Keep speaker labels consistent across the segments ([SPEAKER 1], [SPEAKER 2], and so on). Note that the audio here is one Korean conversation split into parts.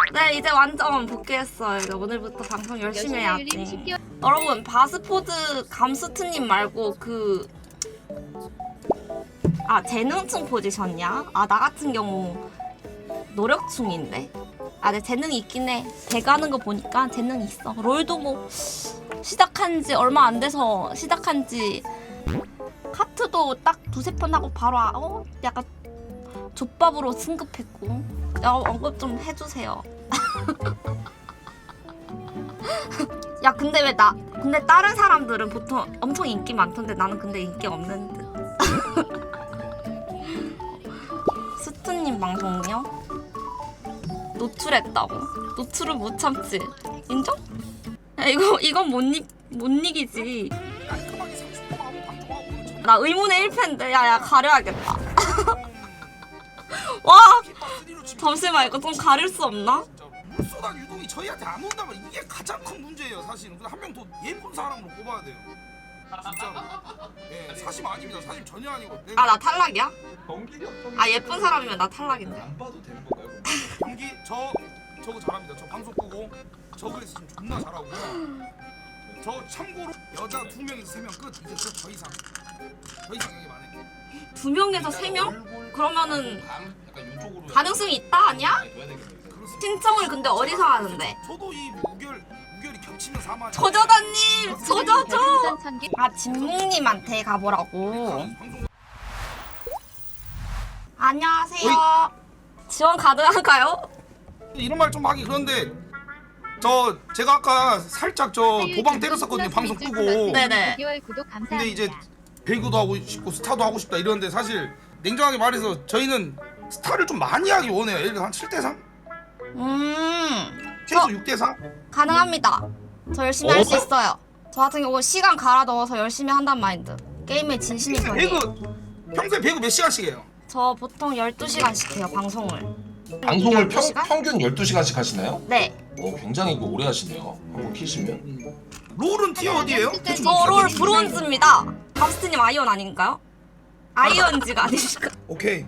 [SPEAKER 1] 네, 이제 완전 복귀했어요. 이제 오늘부터 방송 열심히 해야지. 여러분, 바스포드 감스트님 말고 재능충 포지션이야? 나 같은 경우 노력충인데. 내 재능이 있긴 해. 배가는 거 보니까 재능이 있어. 롤도 뭐 시작한 지 얼마 안 돼서 시작한 지 카트도 딱 두세 번 하고 바로 약간 족밥으로 승급했고. 언급 좀 해주세요. 야, 근데 근데 다른 사람들은 보통 엄청 인기 많던데 나는 근데 인기 없는 듯. 스투님 방송요? 노출했다고. 노출을 못 참지. 인정? 야, 이건 못 이기지. 나 의문의 1패인데. 야, 가려야겠다. 와! 잠시만, 이거 좀 가릴 수 없나?
[SPEAKER 2] 물소당 유동이 저희한테 안 온다면 이게 가장 큰 문제예요, 사실은. 한 명 더 예쁜 사람으로 뽑아야 돼요. 진짜로. 예, 사심 아닙니다. 사심 전혀 아니고.
[SPEAKER 1] 나 탈락이야?
[SPEAKER 3] 경기력
[SPEAKER 1] 예쁜 사람이면 나 탈락인데.
[SPEAKER 3] 안 봐도 되는 건가요?
[SPEAKER 2] 경기 저거 잘합니다. 저 방송 끄고 저거 있으면 존나 잘하고. 저 참고로 여자 2명에서 3명 끝. 이제 더 이상 얘기 많아.
[SPEAKER 1] 2명에서 3명? 그러면은
[SPEAKER 3] 약간 이쪽으로
[SPEAKER 1] 가능성이 있다 아니야?
[SPEAKER 2] 그렇습니다.
[SPEAKER 1] 신청을 근데 어디서 하는데?
[SPEAKER 2] 저도 이 우결이 겹치면 사망.
[SPEAKER 1] 저저다님! 저저저! 진묵님한테 가보라고. 안녕하세요. 지원 가능한가요?
[SPEAKER 2] 이런 말 좀 하기 그런데 제가 아까 살짝 도방 때렸었거든요. 방송 끄고.
[SPEAKER 1] 네네.
[SPEAKER 2] 근데 이제 배구도 하고 싶고 스타도 하고 싶다 이러는데 사실 냉정하게 말해서 저희는 스타를 좀 많이 하기 원해요. 예를 들어 한 7대3? 최소 6대4?
[SPEAKER 1] 가능합니다. 저 열심히 할 수 있어요. 저 같은 경우 시간 갈아 넣어서 열심히 한단 마인드. 게임에 진심이 편해요.
[SPEAKER 2] 평소에 배구 몇 시간씩 해요?
[SPEAKER 1] 저 보통 12시간씩 해요, 방송을.
[SPEAKER 3] 방송을
[SPEAKER 1] 12시간?
[SPEAKER 3] 평균 12시간씩 하시나요?
[SPEAKER 1] 네.
[SPEAKER 3] 굉장히 오래 하시네요. 한번 키시면.
[SPEAKER 2] 롤은 티어 어디예요?
[SPEAKER 1] 저 롤 브론즈입니다. 감스트님 아이언 아닌가요? 아이언즈가 아니실까?
[SPEAKER 2] 오케이.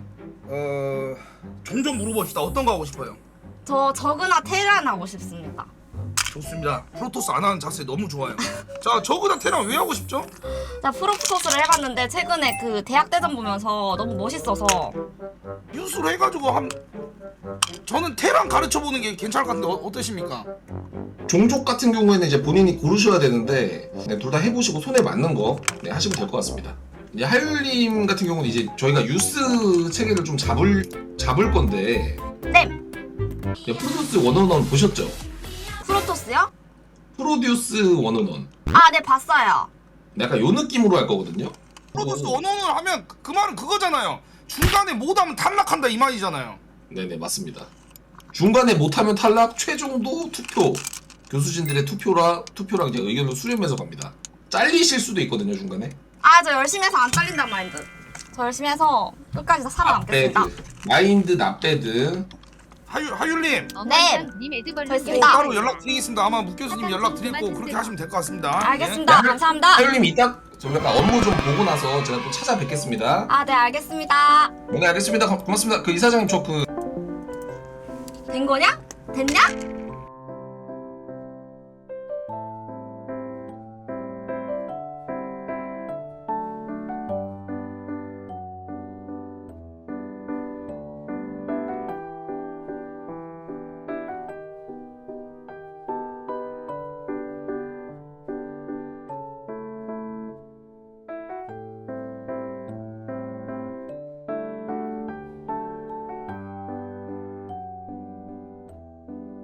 [SPEAKER 2] 종종 물어봅시다. 어떤 거 하고 싶어요?
[SPEAKER 1] 저 저그나 테란 하고 싶습니다.
[SPEAKER 2] 좋습니다. 프로토스 안 하는 자세 너무 좋아요. 자, 저그나 테란 왜 하고 싶죠?
[SPEAKER 1] 제가 프로토스를 해봤는데 최근에 대학대전 보면서 너무 멋있어서.
[SPEAKER 2] 뉴스로 해가지고 저는 테란 가르쳐보는 게 괜찮을 것 같은데 어떠십니까?
[SPEAKER 3] 종족 같은 경우에는 이제 본인이 고르셔야 되는데 둘 다 해보시고 손에 맞는 거 하시면 될 것 같습니다. 이제 하율님 같은 경우는 이제 저희가 유스 체계를 좀 잡을 건데
[SPEAKER 1] 네.
[SPEAKER 3] 프로듀스 원어원 보셨죠?
[SPEAKER 1] 프로토스요?
[SPEAKER 3] 프로듀스 원어원.
[SPEAKER 1] 네, 봤어요.
[SPEAKER 3] 약간 요 느낌으로 할 거거든요.
[SPEAKER 2] 프로토스 원원을 하면 그 말은 그거잖아요. 중간에 못하면 탈락한다 이 말이잖아요.
[SPEAKER 3] 네네 맞습니다. 중간에 못하면 탈락, 최종도 투표. 교수진들의 투표랑 이제 의견을 수렴해서 갑니다. 잘리실 수도 있거든요 중간에.
[SPEAKER 1] 저 열심히 해서 안 잘린단 마인드. 저 열심히 해서 끝까지 다 살아남겠습니다.
[SPEAKER 3] 마인드 납배드.
[SPEAKER 2] 하율님
[SPEAKER 1] 네. 됐습니다.
[SPEAKER 2] 따로 연락드리겠습니다. 아마 묵 교수님 연락드릴 거고 그렇게 하시면 될 것 같습니다.
[SPEAKER 1] 알겠습니다. 감사합니다.
[SPEAKER 3] 하율님 이따 저 약간 업무 좀 보고 나서 제가 또 찾아뵙겠습니다.
[SPEAKER 1] 네, 알겠습니다.
[SPEAKER 3] 네 알겠습니다. 고맙습니다. 그 이사장님 저
[SPEAKER 1] 된 거냐? 됐냐?